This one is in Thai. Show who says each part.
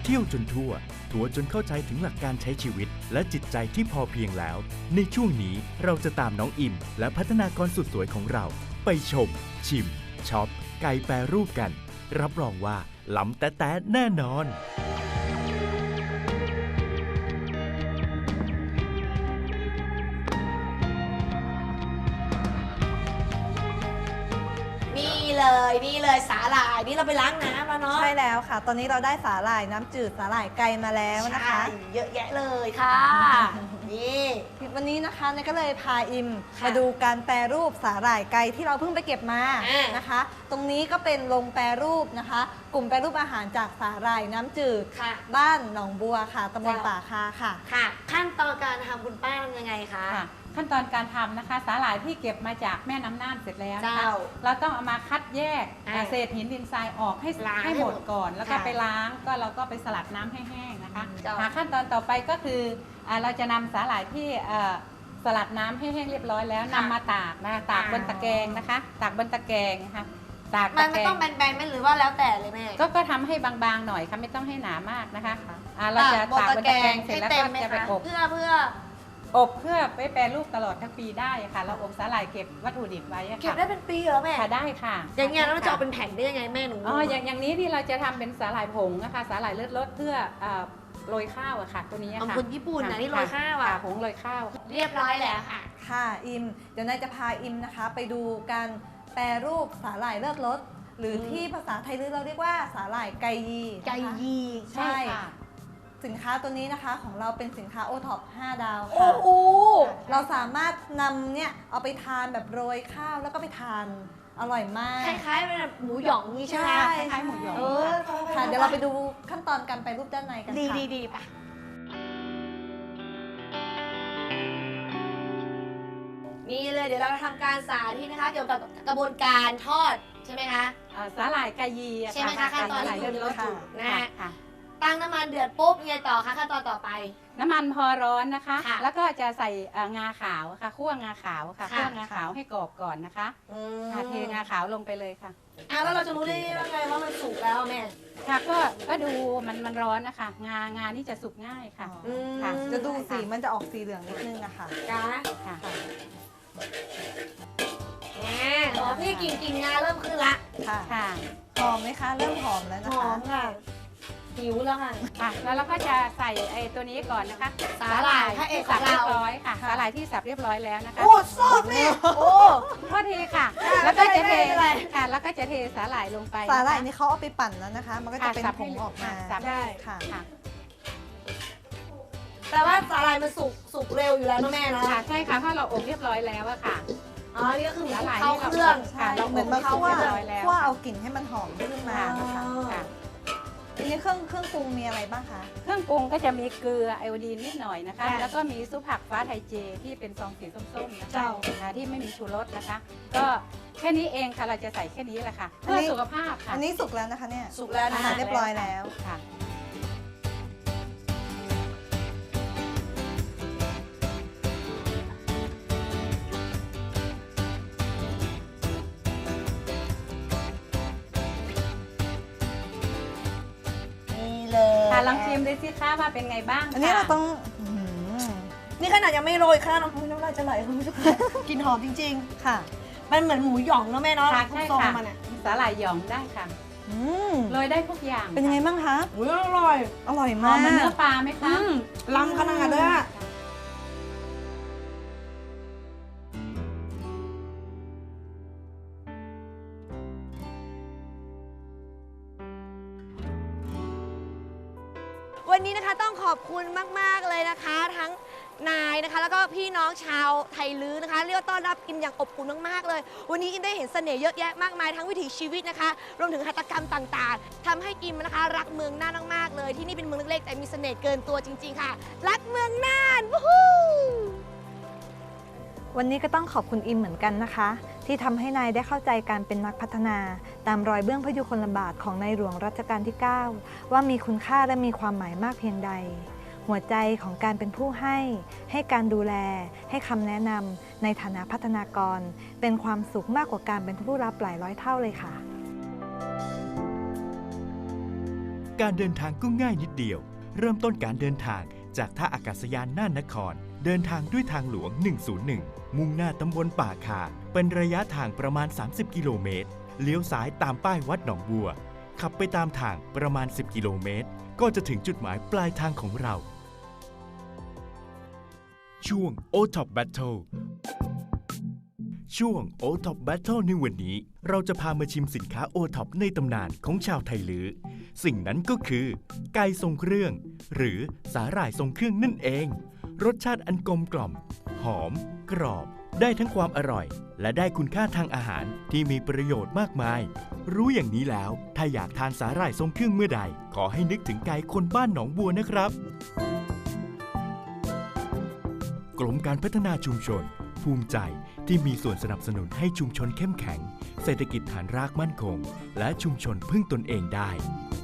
Speaker 1: เที่ยวจนทั่วทัวร์จนเข้าใจถึงหลักการใช้ชีวิตและจิตใจที่พอเพียงแล้วในช่วงนี้เราจะตามน้องอิมและพัฒนากรสุดสวยของเราไปชมชิมช็อปไก่แปรรูปกันรับรองว่าล้ำแต๊ะแน่นอน
Speaker 2: นี่เลยสาหร่ายนี่เราไปล้างน้ำแล้วเนาะ
Speaker 3: ใช่แล้วค่ะ ตอนนี้เราได้สาหร่ายน้ำจืดสาหร่ายไก่มาแล้วนะคะ
Speaker 2: เยอะแยะเลยค่ะนี่
Speaker 3: วันนี้นะคะเนยก็เลยพาอิม
Speaker 2: ค่ะ
Speaker 3: มาดูการแปรรูปสาหร่ายไก่ที่เราเพิ่งไปเก็บมานะคะ ตรงนี้ก็เป็นโรงแปรรูปนะคะ กลุ่มแปรรูปอาหารจากสาหร่ายน้ำจืด
Speaker 2: ค่ะ
Speaker 3: บ้านหนองบัวค่ะตำบลป่าคาค่ะ
Speaker 2: ค่ะ ขั้นตอนการทำคุณป้าทำยังไงคะ
Speaker 4: ค่ะขั้นตอนการทำนะคะสาหร่ายที่เก็บมาจากแม่น้ำน่านเสร็จแล้วนะคะ
Speaker 2: เจ้า
Speaker 4: เราต้องเอามาคัดแยก
Speaker 2: อ่า
Speaker 4: เศษหินดินทรายออกให้
Speaker 2: ล้าง
Speaker 4: ให้หมดก่อน แล้วก็
Speaker 2: ค่ะ
Speaker 4: ไปล้างก็เราก็ไปสลัดน้ำให้แห้งนะคะ
Speaker 2: เจ้า
Speaker 4: ขั้นตอนต่อไปก็คือเราจะนำสาหร่ายที่สลัดน้ำให้แห้งเรียบร้อยแล้วนำมาตากนะคะตากบนตะแกรงนะคะตากบนตะแกรงนะคะตาก
Speaker 2: มั
Speaker 4: ตะ
Speaker 2: น
Speaker 4: แก
Speaker 2: ไม่
Speaker 4: ร
Speaker 2: ต้อง งแบนๆไหมหรือว่าแล้วแต่เลยแม่
Speaker 4: ก็ทำให้บางๆหน่อยค่ะไม่ต้องให้หนามากนะคะเราจะ
Speaker 2: บน
Speaker 4: ตากบน
Speaker 2: ตะแก
Speaker 4: ตะ
Speaker 2: ร
Speaker 4: แกรง งเสร็จ
Speaker 2: ให้
Speaker 4: แล้ว
Speaker 2: เต็
Speaker 4: ก็
Speaker 2: มไหม
Speaker 4: จะไป
Speaker 2: คะ
Speaker 4: อบ
Speaker 2: เพื่อ
Speaker 4: อบเพื่อไปแปรรูปตลอดทั้งปีได้ค่ะเราอบสาหร่ายเก็บวัตถุดิบไว้อะ
Speaker 2: เก็บ
Speaker 4: ค่ะ
Speaker 2: ได้เป็นปีเหรอแม่
Speaker 4: ค่ะได้ค่ะ
Speaker 2: อย่างเงี้ยแล้วเราจะเอาเป็นแผ่นได้ยังไงแม่หนู
Speaker 4: อ๋ออย่างนี้ที่เราจะทำเป็นสาหร่ายผงนะคะสาหร่ายเลือดรสเพื่อโรยข้าวอะค่ะตัวนี้
Speaker 2: ของ
Speaker 4: ค่ะ
Speaker 2: คนญี่ปุ่นนะนี่โรยข้าวอ่ะ
Speaker 4: ผงโรยข้าว
Speaker 2: เรียบร้อยแล้วค่ะ
Speaker 3: ค่ะอิม เดี๋ยวนายจะพาอิมนะคะ ไปดูการแปรรูปสาหร่ายเลือดรสหรือที่ภาษาไทยเราเรียกว่าสาหร่ายไก่ยีนะคะ
Speaker 2: ไก่ยี
Speaker 3: ใช่ สินค้าตัวนี้นะคะของเราเป็นสินค้าโอท็อป5 ดาว
Speaker 2: โอ้
Speaker 3: ค่ะ
Speaker 2: โห
Speaker 3: เราสามารถนำเนี่ยเอาไปทานแบบโรยข้าวแล้วก็ไปทานอร่อยมาก
Speaker 2: คล้ายๆเป็นแบบหมูหยองนี่ใช่ไหม
Speaker 3: ใช่
Speaker 4: คล้ายๆหมูหยอง
Speaker 2: เออ
Speaker 3: ค่ะเดี๋ยวเราไปดูขั้นตอนการแปรรูปด้านในกัน
Speaker 2: ดี
Speaker 3: ค่ะ
Speaker 2: ดีๆๆป่ะนี่เลยเดี๋ยวเราทำการสาธิตนะคะ เกี่ยวกับกระบวนการทอดใช่ไหมคะ
Speaker 4: สาหร่ายกายีอะ
Speaker 2: ใช่ไหมคะขั้นตอน
Speaker 4: สาหร่าย
Speaker 2: ที่
Speaker 4: เลื
Speaker 2: คุ
Speaker 4: อ
Speaker 2: ณ
Speaker 4: ดรส
Speaker 2: ระบุนะฮะ
Speaker 4: ค่ะ
Speaker 2: ตั้งน้ำมันเดือดปุ๊บยังไงต่อคะขั้นตอนต่อไป
Speaker 4: น้ำมันพอร้อนนะคะ
Speaker 2: ค่ะ
Speaker 4: แล้วก็จะใส่งาขาวค่ะคั่วงาขาวค่ะ
Speaker 2: ค่ะ
Speaker 4: คั่วงาขาวให้กรอบก่อนนะคะเทงาขาวลงไปเลยค่ะ
Speaker 2: แล้วเราจะรู้ได้ยังไงว่ามันสุกแล้วแม่
Speaker 4: ค่ะก็ดูมันร้อนนะคะงานี่จะสุกง่ายค่ะ ค่ะ
Speaker 3: จะดูสีมันจะออกสีเหลืองนิดนึงอะค่ะ
Speaker 2: จ้า
Speaker 4: ค่ะ
Speaker 2: นี่กลิ่นงาเริ่มขึ้นละ
Speaker 3: ค่ะ
Speaker 4: ค่ะ
Speaker 3: หอมไหมคะ เริ่มหอมแล้ว
Speaker 2: ห
Speaker 3: นะ
Speaker 2: อ
Speaker 3: คะ
Speaker 2: มค่ะหิวแล้วค่ะ
Speaker 4: ค่ะแล้วเราก็จะใส่ไอ้ตัวนี้ก่อนนะคะ
Speaker 2: สาหร่ายพระเอก
Speaker 4: ที่สับ
Speaker 2: ของเรา
Speaker 4: เรียบร้อยค่ะสาหร่ายที่สับเรียบร้อยแล้วนะคะ
Speaker 2: โอ้สดเนี่ยโอ้
Speaker 4: โทษทีค่ะ แล้วก็จะเท
Speaker 2: ไม่เป็นไร
Speaker 4: ค่ะแล้วก็จะเทสาหร่ายลงไป
Speaker 3: สาหร่าย
Speaker 4: ะคะ
Speaker 3: นี่เขาเอาไปปั่นแล้วนะคะ มันก็จะเป็น
Speaker 4: สับ
Speaker 3: ผ
Speaker 4: ให้
Speaker 3: งออกมา
Speaker 4: สับให้
Speaker 3: ค่ะ
Speaker 4: ค่ะ
Speaker 2: แต่ว่าสาหร่ายมันสุกเร็วอยู่แล้วนะแม่เนาะ
Speaker 4: ค่ะใช่ค่ะเพราะเราอบเรียบร้อยแล้วอะค่ะ
Speaker 2: อ๋อ นี่ก็คือ
Speaker 4: สาหร่าย
Speaker 2: เข้า
Speaker 4: ที่
Speaker 2: เครื่อง
Speaker 3: ใช่
Speaker 4: เรา
Speaker 3: เหมือนมา
Speaker 4: เข้า
Speaker 3: คั่ว
Speaker 4: เรียบร้อยแล้ว
Speaker 3: คั่วเอากลิ่นให้มันหอมขึ้นมา
Speaker 4: ค่ะ
Speaker 3: นะคะ
Speaker 4: ค่ะ
Speaker 3: ทีนี้เครื่องปรุงมีอะไรบ้างคะ
Speaker 4: เครื่องปรุงก็จะมีเกลือไอโอดีนนิดหน่อยนะคะ
Speaker 2: ค่ะ
Speaker 4: แล้วก็มีซุปผักฟ้าไทยเจที่เป็นซองสีส้มๆนะคะ
Speaker 2: เจ้า
Speaker 4: ที่ไม่มีชูรสนะคะ ก็แค่นี้เองค่ะเราจะใส่แค่นี้แหละค่ะเพื่อสุขภาพค่ะ
Speaker 3: อันนี้สุกแล้วนะคะเนี่ย
Speaker 2: สุกแล้วนะ
Speaker 3: อา
Speaker 2: คะ
Speaker 3: หารเรียบร้อยแล้ว
Speaker 4: ค่ะ
Speaker 2: นี่เลย
Speaker 4: ค่ะลองชิมดูสิคะว่าเป็นไงบ้าง
Speaker 3: อันนี้
Speaker 4: ค่ะ
Speaker 3: เราต้องอื้อหือ
Speaker 2: นี่ขนาดยังไม่โรยข้าวน้ำน้ำลายจะไหลคุณผู้ชมกลินหอมจริง
Speaker 3: ค่ะ
Speaker 2: ๆ มันเหมือนหมูหยองเนาะแม่เนาะ
Speaker 4: ค่ะใช่
Speaker 2: ทรง
Speaker 4: ค่ะ
Speaker 2: มันอ่ะ
Speaker 4: สาหร่ายหยองได้ค่ะ
Speaker 3: อืม
Speaker 4: โรยได้ทุกอย่าง
Speaker 3: เป็นยังไงบ้างคะ
Speaker 2: อุ้ยอร่อย
Speaker 3: อร่อย
Speaker 4: หอ
Speaker 3: มาม ก
Speaker 4: เหมือนเนื้อปลาไหมคะ
Speaker 2: ล้ำขนาดเลยอะวันนี้นะคะต้องขอบคุณมาก ๆ เลยนะคะ ทั้งนายนะคะ แล้วก็พี่น้องชาวไทยลื้อนะคะ เรียกว่าต้อนรับอิมอย่างอบอุ่นมาก ๆ เลย วันนี้อิมได้เห็นเสน่ห์เยอะแยะมากมายทั้งวิถีชีวิตนะคะ รวมถึงหัตถกรรมต่างๆทำให้อิมนะคะ รักเมืองน่านมาก ๆ เลย ที่นี่เป็นเมืองเล็ก ๆ แต่มีเสน่ห์เกินตัวจริง ๆ ค่ะ รักเมืองน่านวู้ฮู้
Speaker 3: วันนี้ก็ต้องขอบคุณอิมเหมือนกันนะคะ ที่ทำให้นายได้เข้าใจการเป็นนักพัฒนา ตามรอยเบื้องพระยุคลบาทของในหลวงรัชกาลที่ 9 ว่ามีคุณค่าและมีความหมายมากเพียงใด หัวใจของการเป็นผู้ให้การดูแล ให้คำแนะนำในฐานะพัฒนากร เป็นความสุขมากกว่าการเป็นผู้รับหลายร้อยเท่าเลยค่ะ
Speaker 1: การเดินทางก็ง่ายนิดเดียว เริ่มต้นการเดินทางจากท่าอากาศยานน่านนคร เดินทางด้วยทางหลวง 101 มุ่งหน้าตำบลป่าคา เป็นระยะทางประมาณ 30 กิโลเมตร เลี้ยวซ้ายตามป้ายวัดหนองบัว ขับไปตามทางประมาณ 10 กิโลเมตร ก็จะถึงจุดหมายปลายทางของเรา ช่วง O-Top Battle ช่วง O-Top Battle ในวันนี้ เราจะพามาชิมสินค้า O-Top ในตำนานของชาวไทลื้อ สิ่งนั้นก็คือ ไก่ทรงเครื่อง หรือสาหร่ายทรงเครื่องนั่นเอง รสชาติอันกลมกล่อม หอม กรอบ ได้ทั้งความอร่อย และได้คุณค่าทางอาหารที่มีประโยชน์มากมาย รู้อย่างนี้แล้ว ถ้าอยากทานสาหร่ายทรงเครื่องเมื่อใด ขอให้นึกถึงไก่คนบ้านหนองบัวนะครับ กรมการพัฒนาชุมชน ภูมิใจที่มีส่วนสนับสนุนให้ชุมชนเข้มแข็ง เศรษฐกิจฐานรากมั่นคง และชุมชนพึ่งตนเองได้